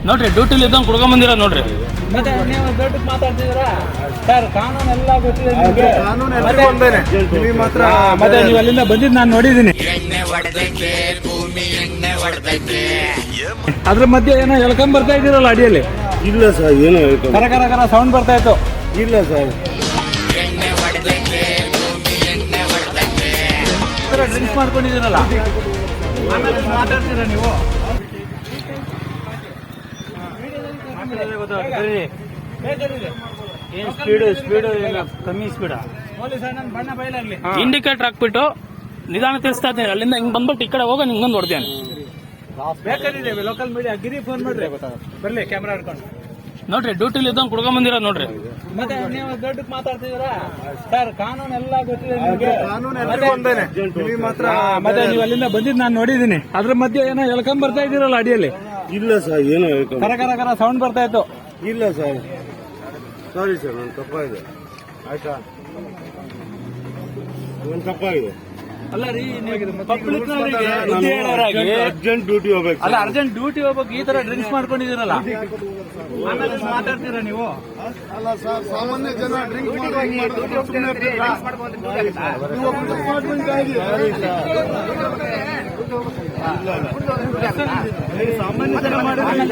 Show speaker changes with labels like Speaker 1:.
Speaker 1: ನೋಡ್ರಿ ಡ್ಯೂಟಿಲಿ ಇದ್ದಂಗೆ ಕುಡ್ಕೊಂಡ್ ಬಂದಿರ ನೋಡ್ರಿ.
Speaker 2: ಮತ್ತೆ ನೀವು ದೊಡ್ಡ ಮಾತಾಡ್ತಿದ್ದೀರಾ ಸರ್? ಕಾನೂನು ಎಲ್ಲ ಗೊತ್ತಿದೆ ನಿಮಗೆ. ಮತ್ತೆ ನೀವು ಅಲ್ಲಿಂದ ಬಂದಿದ್ದು ನಾನು ನೋಡಿದ್ದೀನಿ. ಅದ್ರ ಮಧ್ಯೆ ಏನೋ ಎಳ್ಕೊಂಡ್ ಬರ್ತಾ ಇದ್ದೀರಲ್ಲ ಅಡಿಯಲ್ಲಿ?
Speaker 3: ಇಲ್ಲ ಸರ್, ಏನು
Speaker 2: ಕರ ಕರ ಕರ ಸೌಂಡ್ ಬರ್ತಾ ಇತ್ತು.
Speaker 3: ಇಲ್ಲ ಸರ್,
Speaker 2: ಡ್ರಿಂಕ್ಸ್ ಮಾಡ್ಕೊಂಡಿದ್ದೀರಲ್ಲ, ಆಮೇಲೆ ಮಾತಾಡ್ತೀರಾ ನೀವು? ಸ್ಪೀಡು ಕಮ್ಮಿ ಸ್ಪೀಡ ಪೊಲೀಸ್ ನನ್ನ ಬಣ್ಣ ಬಯಲಾಗ್ಲಿ.
Speaker 1: ಇಂಡಿಕೇಟರ್ ಹಾಕ್ಬಿಟ್ಟು ನಿಧಾನ ತಿಳಿಸ್ತಾ ಇದ್ದೀನಿ. ಅಲ್ಲಿಂದ ಹಿಂಗ್ ಬಂದ್ಬಿಟ್ಟು ಈ ಕಡೆ ಹೋಗ ನಿಂಗೊಂದು ಹೊಡೆದೇನೆ.
Speaker 2: ಬೇಕಾದ್ರೆ ಲೋಕಲ್ ಮೀಡಿಯಾ ಗಿರಿ ಫೋನ್ ಮಾಡ್ರಿ, ಬರ್ಲಿ ಕ್ಯಾಮ್ರಾ ಹಿಡ್ಕೊಂಡು.
Speaker 1: ನೋಡ್ರಿ ಡ್ಯೂಟಿಲಿ ಇದ್ದಂಗೆ ಕುಡ್ಕೊಂಡ್ ಬಂದಿರ ನೋಡ್ರಿ.
Speaker 2: ಮತ್ತೆ ನೀವು ದೊಡ್ಡ ಮಾತಾಡ್ತಿದ್ದೀರಾ ಸರ್? ಕಾನೂನು ಎಲ್ಲ ಗೊತ್ತಿದೆ ನಿಮಗೆ. ಮತ್ತೆ ನೀವು ಅಲ್ಲಿಂದ ಬಂದಿದ್ದು ನಾನು ನೋಡಿದ್ದೀನಿ. ಅದ್ರ ಮಧ್ಯೆ ಏನೋ ಎಳ್ಕೊಂಡ್ ಬರ್ತಾ ಇದ್ದೀರಲ್ಲ ಅಡಿಯಲ್ಲಿ?
Speaker 3: ಇಲ್ಲ ಸರ್, ಏನು
Speaker 2: ಕರ ಕರ ಕರ ಸೌಂಡ್ ಬರ್ತಾ ಇತ್ತು.
Speaker 3: ಇಲ್ಲ ಸರ್, ಸಾರಿ ಸರ್, ನನ್ನ ತಪ್ಪಾಗಿದೆ. ಆಯ್ತಾ, ನನ್ನ ತಪ್ಪಾಗಿದೆ.
Speaker 2: ಅಲ್ಲ ರೀ,
Speaker 3: ಅರ್ಜೆಂಟ್ ಡ್ಯೂಟಿ ಹೋಗ್ಬೇಕು.
Speaker 2: ಅಲ್ಲ, ಅರ್ಜೆಂಟ್ ಡ್ಯೂಟಿ ಹೋಗ್ಬೇಕು. ಈ ತರ ಡ್ರಿಂಕ್ಸ್ ಮಾಡ್ಕೊಂಡಿದ್ದೀರಲ್ಲ, ಆಮೇಲೆ ಮಾತಾಡ್ತೀರಾ ನೀವು?
Speaker 3: ಅಲ್ಲ ಸರ್, ಸಾಮಾನ್ಯ ಜನ ಡ್ರಿಂಕ್ ಸಾಮಾನ್ಯ ಜನ ಮಾಡಿ